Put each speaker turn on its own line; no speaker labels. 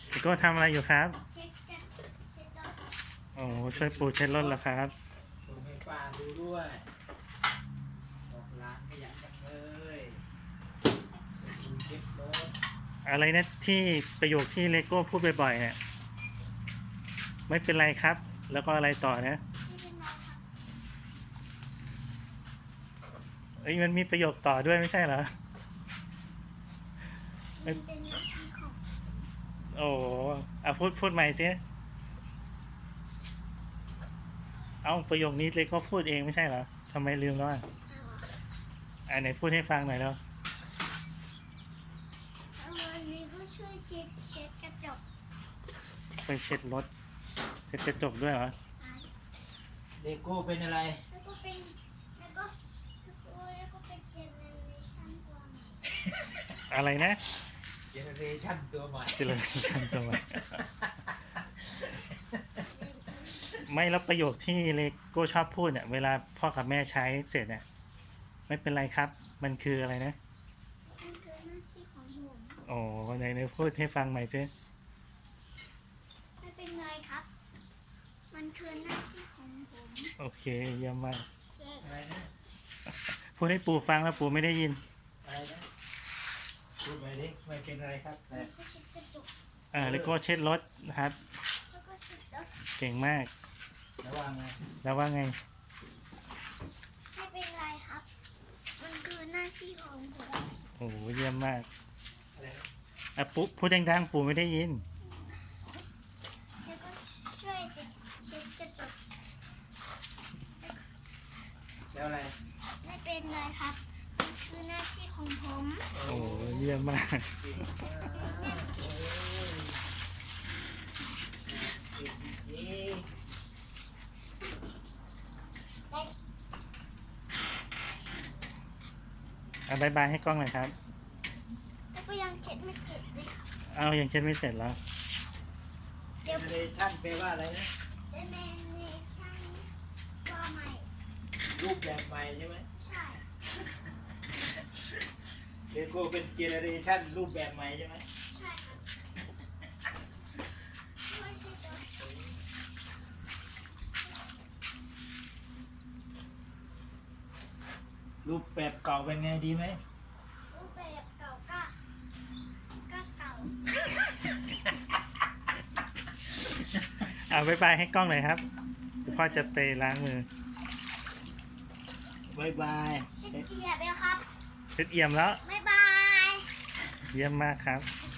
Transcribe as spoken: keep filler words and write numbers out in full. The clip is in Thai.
พี่โก้ทำอะไรอยู่ครับ
เช็คจะเช็คต่อ
โอ้ช่วยปูเช็ดรถแล้วครับ
ส่งให้ป้าดูด้วยบอกร้านขยันจังเลยดูเช็ครถ
อะไรนะที่ประโยคที่เลโก้พูดบ่อยๆเนี่ยไม่เป็นไรครับ แล้วก็อะไรต่อนะ
ไม่เป็นไรครับ
เอ้ยมันมีประโยคต่อด้วยไม่ใช่เหรอ
มันเป็นหน้าที่ของ
โอ้เอาพูดพูดใหม่สิเอาประโยคนี้เลโก้พูดเองไม่ใช่เหรอทำไมลืมแล้วอ่ะ
เรา
อ่าไหนพูดให้ฟังหน่อยแล้ว
เอาวันนี้ก็ช่วยเช็ดเช็ดกระจก
ไปเช็ดรถเช็ดกระจกด้วยเหรอ
หาย
เลโก้เป็นอะไร
แล้วก็เป็นแล้วก็แล้วก็เป็นเจเนอเรชั่นตัวใหม่
อะไรนะ
เจเนอเรชั่นตัวใหม่
เจริญชันตัวไม่แล้วประโยคที่เลโก้ชอบพูดเนี่ยเวลาพ่อกับแม่ใช้เสร็จเนี่ยไม่เป็นไรครับ มันคืออะไรนะ
มันคือหน้าที่ของผม
โอ้ไหนไหนพูดให้ฟังใหม่สิ
ไม่เป็นไรครับ มันคือหน้าที่ของผม
โอเคเยี่ยมมาก
อะไรนะ
พูดให้ปู่ฟังแล้วปู่ไม่ได้ยิน
อะไรนะพูดไปดิไม่เป็นไรครับแต่
แล้วก็เช็ดกระจก
อ่าเลโก้เช็ดรถนะครับ
แล้วก็เช็ดรถ
เก่งมาก
ระวังไง
แล้วว่าไง
ไม่เป็นไรครับ มันคือหน้าที่ของผม
โอ้เยี่ยมมาก
อะไรนะ
อ่ะปุ๊พูดดังๆปู่ไม่ได้ยิน
แล้วก็ช่วยเช็ดกระจก
แล้วอะไร
ไม่เป็นไรครับ มันคือหน้าที่ของผม
โอ้เยี่ยมมาก
เก่งมากโอ้ยเก่งจริง
อ่ะบายบายให้กล้องหน่อยครับ
แล้วก็ยังเช็ดไม่เสร็จเลยครับ
เอายังเช็ดไม่เสร็จแล้ว
เจเนอเรชั่นแปลว่าอะไรนะ
เจเนเรชั่นตัวใหม่
รูปแบบใหม่ใช่ไหม
ใช่
เลโก้เป็นเจเนอเรชั่นรูปแบบใหม่ใช่ไหม
ใช่ครับช่วยเช็ดรถ
รูปแบบเก่าเป็นไงดีไหม
รูปแบบเก่าก็ก็เก่า
เอาบายบายให้กล้องหน่อยครับเดี๋ยวพ่อจะไปล้างมือบ
ายบาย
เช็ดเกียร์ไปครับ
เช็ดเอี่ยมแล้ว
บ๊ายบาย
เยี่ยมมากครับ
บ๊าย